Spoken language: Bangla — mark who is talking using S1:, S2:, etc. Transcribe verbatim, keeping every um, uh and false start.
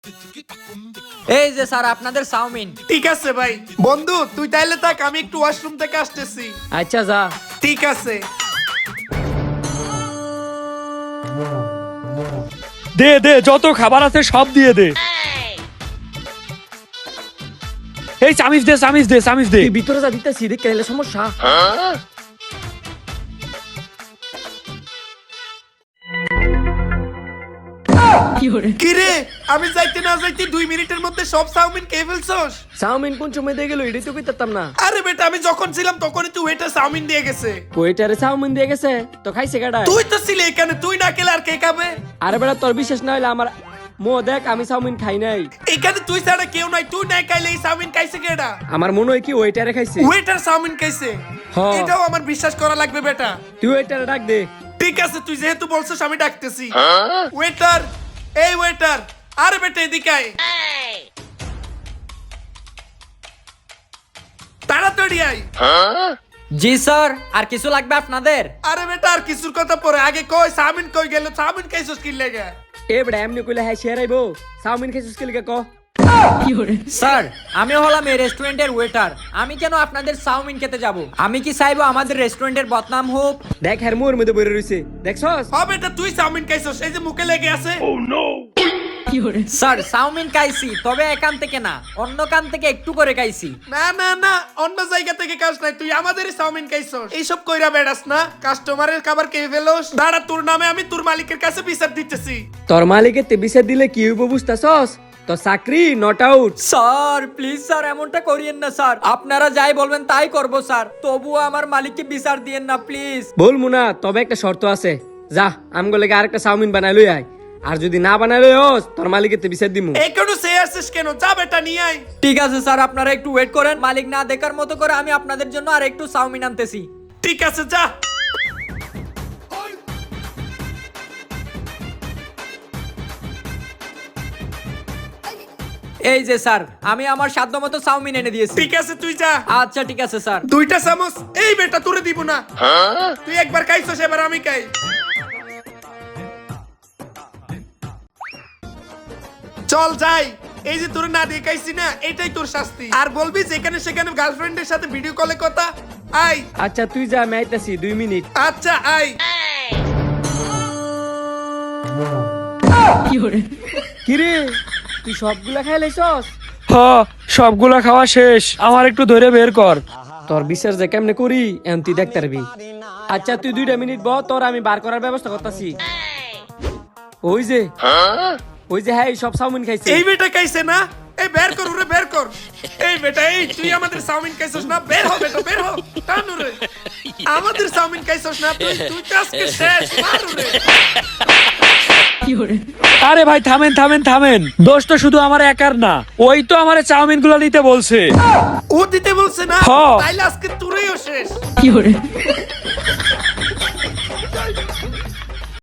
S1: এই যে স্যার আপনাদের চাউমিন।
S2: ঠিক আছে ভাই। বন্ধু তুই তাইলে থাক, আমি একটু ওয়াশরুম থেকে আসতেছি।
S1: আচ্ছা যা।
S2: ঠিক আছে।
S3: দে দে, যত খাবার আছে সব দিয়ে দে। এই চামিচ দে, চামিচ দে, চামিচ দে।
S1: ভিতরে যা দিতেছি দেখে এলে সমস্যা।
S2: কি রে, আমি যাইতে না যাইতে দুই মিনিটের মধ্যে সব চাউমিন খেয়ে ফেলছস?
S1: চাউমিন কোন সময় দিয়ে গেল এটাই তো কইতাম না।
S2: আরে বেটা, আমি যখন ছিলাম তখনই তুই ওয়েটার চাউমিন দিয়ে গেছে।
S1: ওয়েটারে চাউমিন দিয়ে গেছে তো খাইছে কাটা।
S2: তুই তো ছিলি এখানে, তুই না খেলে আর কে খাবে?
S1: আরে বেটা তোর বিশ্বাস না হইলে আমার মো দেখ, আমি চাউমিন খাই নাই।
S2: এখানে তুই ছাড়া কেউ নাই, তুই না খাইলে এই চাউমিন খাইছে কেডা?
S1: আমার মনে হয় কি ওয়েটারে খাইছে।
S2: ওয়েটার চাউমিন খাইছে?
S1: হ্যাঁ।
S2: এটাও আমার বিশ্বাস করা লাগবে বেটা।
S1: তুই ওয়েটারে ডাক দে।
S2: ঠিক আছে, তুই যেহেতু বলছিস আমি ডাকতেছি। ওয়েটার, এই ওয়েটার, আরে বেটা এদিকে আয়। তাড়াতাড়ি আয়।
S1: জি স্যার, আর কিছু লাগবে আপনাদের?
S2: আরে বেটা আর কিছুর কথা পরে, আগে কই চাউমিন কই গেল? চাউমিন খাইছস কি লাগা?
S1: এ বেটা এমনি কইলে হাই শেয়ার আইবো। চাউমিন খাইছিস কি লিগা ক? স্যার আমি হলাম এই রেস্টুরেন্টের ওয়েটার, আমি কেন আপনাদের চাউমিন খেতে যাব? আমি কি চাইবো আমাদের রেস্টুরেন্টের বদনাম হোক? দেখ হের মুর মধ্যে বইরে রইছে, দেখছস?
S2: হ্যাঁ বেটা, তুই চাউমিন খাইছস, এই যে মুখে লেগে আছে।
S1: স্যার চাউমিন খাইছি, তবে একান থেকে না, অন্য কান থেকে একটু করে খাইছি।
S2: না না না, অন্য জায়গা থেকে কাজ নাই, তুই আমাদেরই চাউমিন খাইছস। এইসব কইরা বেড়াস না, কাস্টমারের খাবার খেয়ে ফেলোস। দাঁড়া, তোর নামে আমি তোর মালিকের কাছে বিচার দিতেছি।
S1: তোর মালিকের তে বিচার দিলে কি হইব বুঝতাছস? তো চাকরি not out. Sir please sir এমনটা করিয়েন না স্যার, আপনারা যাই বলবেন তাই করব স্যার, তবুও আমার মালিককে বিচার দিয়েন না প্লিজ। বলমু না, তবে একটা শর্ত আছে। যা আমগো লাগি আরেকটা চাউমিন বানাই লই আয়, আর যদি না বানাই লই হস তোর মালিকের তে বিচার দিমু।
S2: এখনো সে আসছিস কেন? যা বেটা নিয়ে আয়।
S1: ঠিক আছে স্যার, আপনারা একটু ওয়েট করেন, মালিক না দেখার মতো করে আমি আপনাদের জন্য আর একটু চাউমিন আনতেছি।
S2: ঠিক আছে যা।
S1: এই যে স্যার, আমি আমার সাধ্য মতো চাউমিন এনে দিয়েছি।
S2: ঠিক আছে তুই যা।
S1: আচ্ছা ঠিক আছে স্যার।
S2: দুইটা চামচ। এই বেটা তোরে দিব না, তুই একবার খাইছস, এবার আমি খাই। চল যাই। এই যে তোর না দিয়ে খাইছি না, এটাই তোর শাস্তি। আর বলবি যেখানে সেখানে গার্লফ্রেন্ডের সাথে ভিডিও কলে কথা। আই।
S1: আচ্ছা তুই যা, আমি আইতাছি দুই মিনিট।
S2: আচ্ছা আই।
S1: কিরে তুই সবগুলা খাই লাইছস?
S3: হ, সবগুলা খাওয়া শেষ, আমার একটু ধরে বের কর।
S1: তোর বিচার যে কেমনে করি এখন তুই দেখতে পারবি। আচ্ছা তুই দুইটা মিনিট বহ, তোর আমি বার করার ব্যবস্থা করতেছি। ওই যে ওই যে হ্যাঁ সব চাউমিন খাইছে।
S2: এই বেটা খাইছে না? এই বের কর ওরে, বের কর। এই বেটা, এই তুই আমাদের চাউমিন খাইছস না? বের হ বেটা, বের হ। টান ওরে। আমাদের চাউমিন খাইছস না তুই? তুই তো আজকে শেষ। মার ওরে।
S3: আরে ভাই থামেন থামেন থামেন, দোষ তো শুধু আমার একার না, ওই তো আমার চাউমিন গুলো নিতে বলছে।
S2: ও দিতে বলছে না?
S3: হ্যাঁ।
S2: তাইলে আজকে তোরেও শেষ।